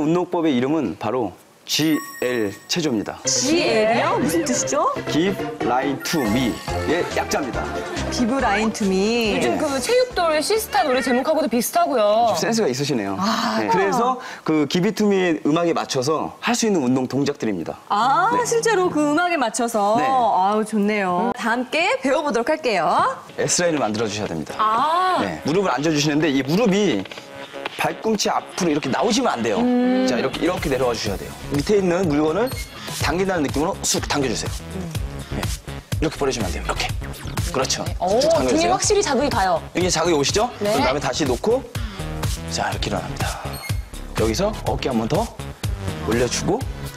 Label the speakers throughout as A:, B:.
A: 운동법의 이름은 바로 GL 체조입니다.
B: GL이요? 무슨 뜻이죠?
A: Give Line to Me의 약자입니다.
B: Give Line to Me.
C: 요즘 그 체육돌 시스타 노래 제목하고도 비슷하고요.
A: 센스가 있으시네요. 네. 그래서 그 Give It to Me의 음악에 맞춰서 할 수 있는 운동 동작들입니다.
B: 아,
A: 네.
B: 실제로 그 음악에 맞춰서.
A: 네.
B: 아우, 좋네요. 다 함께 배워보도록 할게요.
A: S라인을 만들어 주셔야 됩니다.
C: 아.
A: 네. 무릎을 앉아주시는데 이 무릎이 발꿈치 앞으로 이렇게 나오시면 안 돼요. 자, 이렇게 내려와 주셔야 돼요. 밑에 있는 물건을 당긴다는 느낌으로 쑥 당겨주세요. 네. 이렇게 버리시면 안 돼요. 이렇게. 그렇죠. 쭉
C: 등에
A: 당겨주세요.
C: 확실히 자극이 가요.
A: 여기 자극이 오시죠?
C: 네.
A: 그다음에 다시 놓고 자, 이렇게 일어납니다. 여기서 어깨 한 번 더 올려주고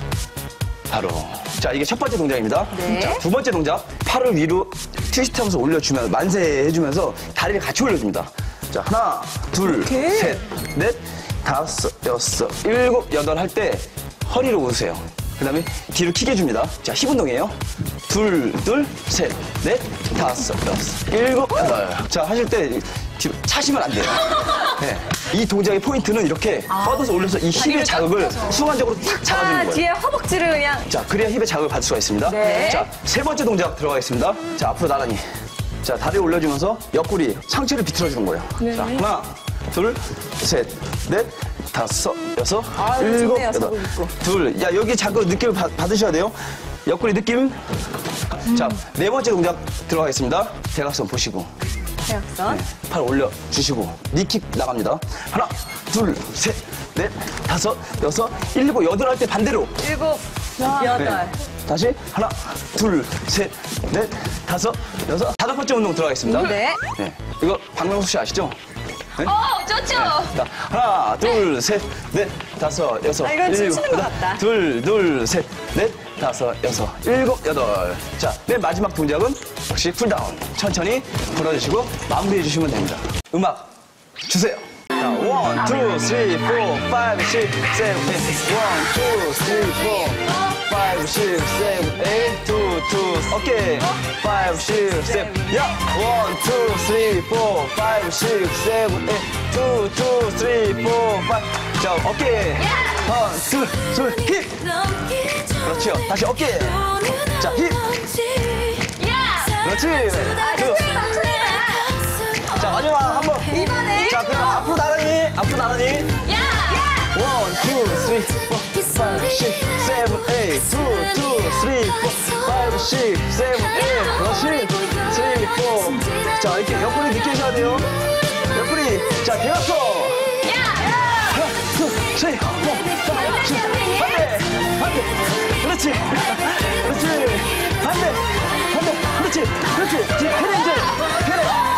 A: 바로. 자, 이게 첫 번째 동작입니다.
B: 네.
A: 자, 두 번째 동작. 팔을 위로 트위스트하면서 올려주면서 만세해주면서 다리를 같이 올려줍니다. 자, 하나, 둘, 셋, 넷, 다섯, 여섯, 일곱, 여덟 할 때 허리를 오세요. 그 다음에 뒤로 키게 해줍니다. 자, 힙 운동이에요. 둘, 셋, 넷, 다섯, 여섯, 일곱, 여덟. 자, 하실 때 뒤로 차시면 안 돼요. 네. 이 동작의 포인트는 이렇게 뻗어서 올려서 이 힙의 자극을 순간적으로 탁 잡아주는 거예요.
B: 뒤에 허벅지를 그냥.
A: 자, 그래야 힙의 자극을 받을 수가 있습니다.
B: 네.
A: 자, 세 번째 동작 들어가겠습니다. 자, 앞으로 나란히. 자, 다리 올려주면서 옆구리, 상체를 비틀어주는 거예요.
B: 네.
A: 자, 하나, 둘, 셋, 넷, 다섯, 여섯,
B: 아유,
A: 일곱,
B: 좋네요,
A: 여덟.
B: 자극 있고.
A: 둘. 야, 여기 자극 느낌을 받으셔야 돼요. 옆구리 느낌. 자, 네 번째 동작 들어가겠습니다. 대각선 보시고.
B: 대각선.
A: 팔 올려주시고. 니킥 나갑니다. 하나, 둘, 셋, 넷, 다섯, 여섯, 일곱, 여덟 할 때 반대로.
B: 일곱, 여덟.
A: 네. 다시 하나, 둘, 셋, 넷, 다섯, 여섯, 다섯 번째 운동 들어가겠습니다.
B: 네.
A: 네. 이거 박명수 씨 아시죠? 네?
C: 좋죠.
A: 자, 하나, 둘, 셋, 넷, 다섯, 여섯,
B: 아, 이건
A: 일곱,
B: 춤추는 것
A: 여덟.
B: 같다.
A: 둘, 셋, 넷, 다섯, 여섯, 일곱, 여덟. 자, 맨 마지막 동작은 역시 쿨다운. 천천히 걸어주시고 마무리해 주시면 됩니다. 음악 주세요. 자, 1, 2, 3, 4, 5, 6, 7, 8. 1, 2, 3, 4, 5, 6, 7, 8. 2, 2. 오케이. 5, 6, 7. 야! 1, 2, 3, 4, 5, 6, 7, 8. 2, 2, 3, 4, 5. 자, 오케이. 하나, 둘, 힙! 그렇지요. 다시 어깨. 자, 힙! 그렇지. 자, 마지막 한 번.
B: 이번에.
A: 자, 그럼 앞으로 나란히. 앞으로 나란히. 1, 2, 3, 4, 5, 6, 7, 8. 2, 2, 3, 4, 5, 6, 7, 8. 그렇지. 3, 4. 자, 이렇게 옆구리 느끼셔야 돼요. 옆구리. 자, 대각선. 하나, 둘, 셋, 넷, 다섯, 여섯. 반대. 그렇지. 그렇지. 반대. 그렇지. 뒤에 캐리.